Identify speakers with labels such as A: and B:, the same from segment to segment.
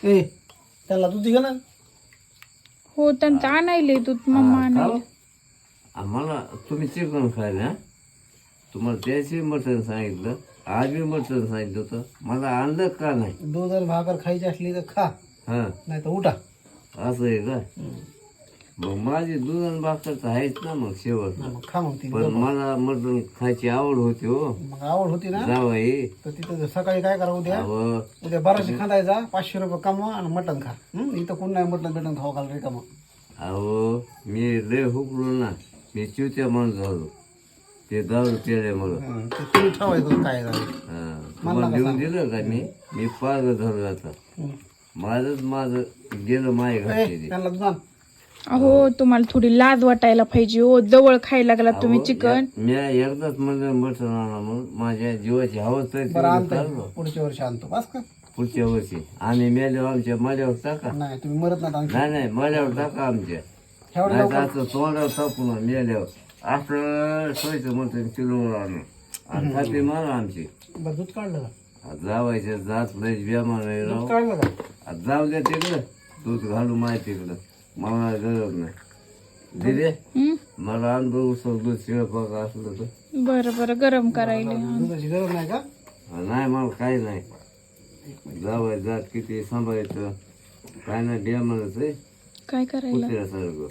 A: ए त्याला दूध दे ना.
B: हो त्यांचं आणायले दूध मम्मा आणायले.
C: आम्हाला तुम्ही चिकन खायला तुम्हाला त्याची मटण सांगितलं, आज मी मटण सांगितलं होतं, मला आणलं का नाही?
A: दूध आणि भाकर खायची असली तर खा,
C: हा
A: नाही तर उठा.
C: असं आहे का? मग माझी दूध आणि भाकर तर आहेच ना मग शेवट.
A: मग खा मग ती.
C: पण मला मटण खायची आवड होती हो.
A: मग आवड होती ना
C: जावाई
A: तर तिथं सकाळी काय करा, उद्या
C: अहो
A: बाराशे खांदायचा, 500 रुपये कमवा आणि मटण खा. इथं कोण नाही मटण बिटण खाऊ घाल रिकामा.
C: अहो मी लय हुकलो ना, मी चिवत्या माणूस झालो ते दारू पिल्यामुळं.
A: ते तुम्ही ठेवायचं काय झालं.
C: तुम्हाला देऊन दिलं का मी पागल झालो आता. माझं गेलं माय घातलेली.
A: त्यांना दूध आण.
B: अहो तुम्हाला थोडी लाज वाटायला पाहिजे हो, जवळ खायला लागला तुम्ही चिकन.
C: मी एकदाच म्हणलं मटण आणा म्हणून माझ्या जीवाची हवस
A: बरं आणतो, पुढच्या वर्षी आणतो बस का.
C: पुढच्या वर्षी आणि मेल्यावर आमच्या मल्यावर टाका.
A: नाही तुम्ही मरत नाही.
C: नाही मल्यावर टाका आमच्या.
A: एवढं
C: नाही तर असं तोंडावर टाकून मेल्यावर असं सोयचं मटण किलोवर आणून आणि खाते मारा आमची.
A: बरं दूध काढलं का?
C: जावायच्या जात लयच बेमान आहे
A: दूध
C: राव.
A: काढलं का?
C: आता जाऊ द्या तिकडं, दूध घालू माहिती तिकडं, मला गरज नाही. दिले मला अनुभव दूध शिळपाक असलं तर.
B: बरं बरं गरम करायले.
A: दुधाची गरज नाही का?
C: नाही मला काही नाही. जावाय जात किती सांभाळायचं काय नाही बेमानच आहे
B: काय करायला.
C: कुत्र्यासारखं.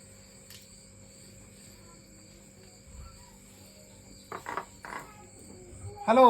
A: हेलो,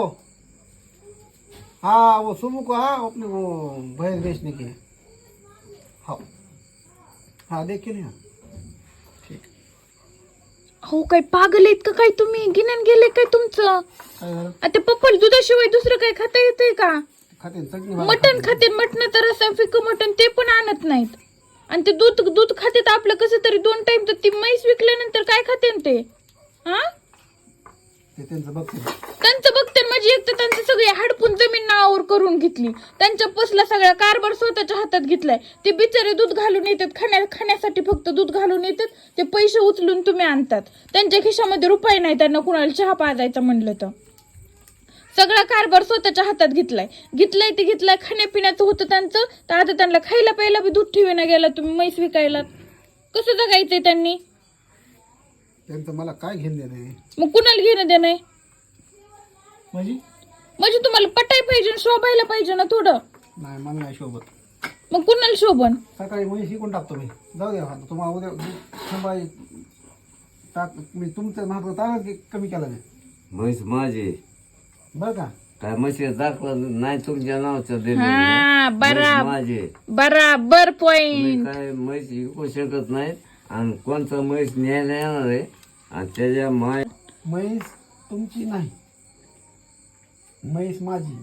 A: हाँ वो सुमू को, हाँ अपने वो भैंस बेचने की है. हाँ हाँ देखिए ना. ठीक.
B: हो काय पागल आहेत का काय तुम्ही, गिन्यान गेले काय तुमचं.
A: काय झालं?
B: आता पप्पल दुधाशिवाय दुसरं काय खाता येतंय का.
A: खाते चटणी
B: मटण खाते, मटण तर रस्सा फिकं मटण ते पण आणत नाहीत. आणि ते दूध खाते तर आपलं कसं तरी 2 टाइम. तर ती म्हैस विकल्यानंतर काय खाते ते. हा
A: ते त्यांचं बघते.
B: त्यांचं बघते माझी. एक तर त्यांचं सगळे हडपून जमीन नावावर करून घेतली, त्यांच्या पसला सगळा कारभार स्वतःच्या हातात घेतलाय. ते बिचारे दूध घालून येतात, खाण्यासाठी फक्त दूध घालून येतात. ते पैसे उचलून तुम्ही आणतात. त्यांच्या खिशामध्ये रुपये नाही, त्यांना कुणाला चहा पाजायचा म्हणलं तर. सगळा कारभार स्वतःच्या हातात घेतलाय खाण्यापिण्याचं होतं त्यांचं. तर आता त्यांना खायला प्यायला बी दूध ठेवीना गेला तुम्ही म्हैस विकायला. कसं जगायचंय त्यांनी.
A: त्यांचं मला काय घेऊन देणं.
B: मग कुणाला घेणं देणं आहे. म्हणजे तुम्हाला पटाय पाहिजे, शोभायला पाहिजे ना थोडं.
A: नाही मला नाही शोभत.
B: मग कुणाला शोभन.
A: सकाळी म्हैस शिकून टाकतो मी. जाऊ द्या तुम्हाला उद्या संभाजी टाक. मी तुमचं महाग तारा कमी केला नाही
C: म्हैस माझी
A: बरं का.
C: काय म्हशी दाखवलं नाही तुमच्या नावाचं
B: हा
C: दिलं माझे.
B: बराबर
C: तुम्ही
B: पॉइंट.
C: काय म्हैस विकू शकत नाहीत आणि कोणता म्हैस न्यायला येणार आहे आणि त्याच्या
A: म्हैस तुमची नाही, म्हैस माझी.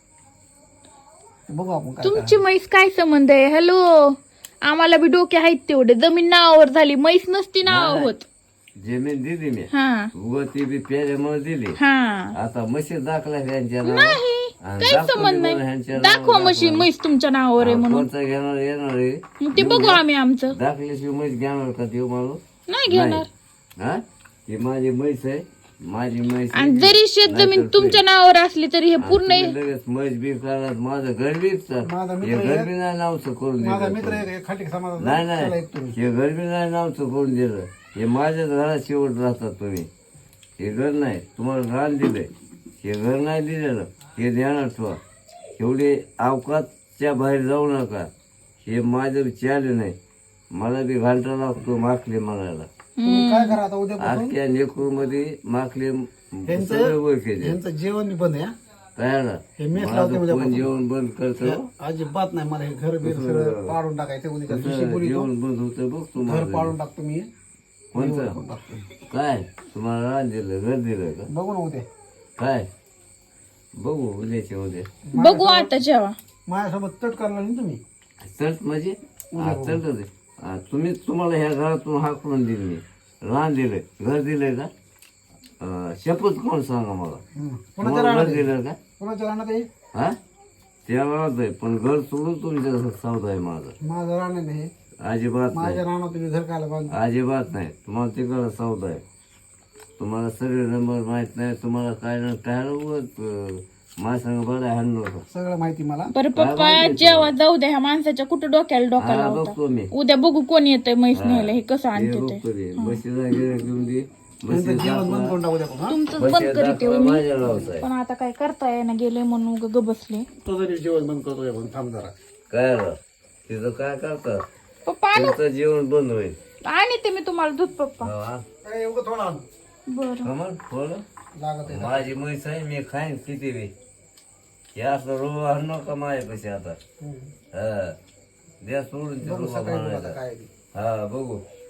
A: बघू आपण काय
B: तुमची म्हैस काय संबंध आहे. हॅलो, आम्हाला बी डोके आहेत तेवढे. जमीन नावावर झाली, म्हैस नसती नाव होत.
C: जमीन दिली मी
B: हा
C: उगं ती बी प्याऱ्यामुळे दिली.
B: हा
C: आता म्हशी दाखला ह्यांच्या
B: नाही
C: आणि
B: काही संबंध नाही. दाखवा म्हशी म्हैस तुमच्या नावावर आहे म्हणून.
C: कोणता घेणार येणार आहे
B: मग ते बघू आम्ही आमचं.
C: दाखल्याशिवाय म्हैस घेणार का देऊ माणूस.
B: नाही घेणार.
C: हा ती माझी म्हैस आहे, माझी म्हैस आहे.
B: आणि जरी शेत जमीन तुमच्या नावावर असली तरी हे पूर्ण
C: तुम्ही लगेच म्हैस बी करणार. माझं घर विकतात.
A: माझा
C: हे घर बी नाही नावचं करून
A: माझा
C: दिलं.
A: मित्र एक खाटी समाज
C: नाही नाही हे घर बी नाही नावचं करून दिलं. हे माझ्याच घरात शेवट राहतात तुम्ही. हे घर नाही तुम्हाला रान दिलंय, हे घर नाही दिलेलं. हे ध्यानात ठेवा. एवढे अवकाशच्या बाहेर जाऊ नका. हे माझं चालू नाही. मला बी घंटा लागतो माखले म्हणायला.
A: काय करा आता उद्या
C: आजच्या नेकूर मध्ये माखले
A: यांचं
C: वर केले.
A: यांचं जेवण बी बंद आहे.
C: काय
A: हे मेस लावते उद्या
C: कोण जेवण बंद करतो.
A: अजिबात नाही. मला हे घर बीर सगळं पाडून टाकायचं. उद्या दिवशी बोली
C: जेवण बंद होतं बघ
A: घर
C: तुम्हाला.
A: पाडून टाकतो मी.
C: कोणतं काय तुम्हाला रान दिलं घर दिलं का
A: बघू ना उद्या.
C: काय बघू उद्याच्या उद्या.
B: बघू आता जेव्हा.
A: माझ्यासोबत तट करला नाही तुम्ही.
C: चट म्हणजे चट तुम्ही तुम्हाला ह्या घरातून हाकलून दिली मी. रान दिलंय घर दिलंय का. शपथ कोण सांगा मला.
A: कोणाच्या
C: तुम्हाला
A: राहणार
C: घर दिलं का.
A: कोणाच्या राहणार आहे.
C: हा त्या घरात आहे पण घर सोडून तुमच्या सौदा आहे माझा.
A: माझं राहणार नाही.
C: अजिबात नाही.
A: माझ्या राहणार तुम्ही घर कायला बांध.
C: अजिबात नाही. तुम्हाला तिकडं सौदा आहे. तुम्हाला सगळे नंबर माहित नाही. तुम्हाला काय ना काय माझ्या संग बरं हाण नको.
A: सगळं माहिती मला.
B: बरं पप्पा जेव्हा जाऊ द्या ह्या माणसाच्या कुठं डोक्याला डोका
C: हा
B: लावता.
C: बघतो मी.
B: उद्या बघू कोण येतंय म्हैस न्यायला हे कसं
C: हे
B: आणते ते.
C: बघतो ते. बशीला गिऱ्हाईक घेऊन दे.
A: नंतर जेवण बंद करून टाकू द्या पण, हा?
B: तुमचं बंद करीत येऊ मी.
C: माझ्या लावताय
B: पण आता काय करता येईना गेले म्हणून उगा ग बसले.
A: तो जरी जेवण बंद करतोय पण थांब जरा.
C: काय रे? तिथं काय करतात?
B: पप्पा आणू
C: तुमचं जेवण बंद होईल.
B: आणि ते मी तुम्हाला दूध पप्पा.
C: हा.
A: काय एवढं थोडा
B: बरं
C: कमल थोडं
A: लागत आहे.
C: माझी म्हैस आहे मी खाईन किती बी. हे असं रोग आणू नका माझ्यापाशी आता.
A: हम्म.
C: हा द्या सोडून ते
A: बघू
C: रोग
A: सकाळी बघू आता
C: आणायला.
A: काय आहे ते.
C: हा बघू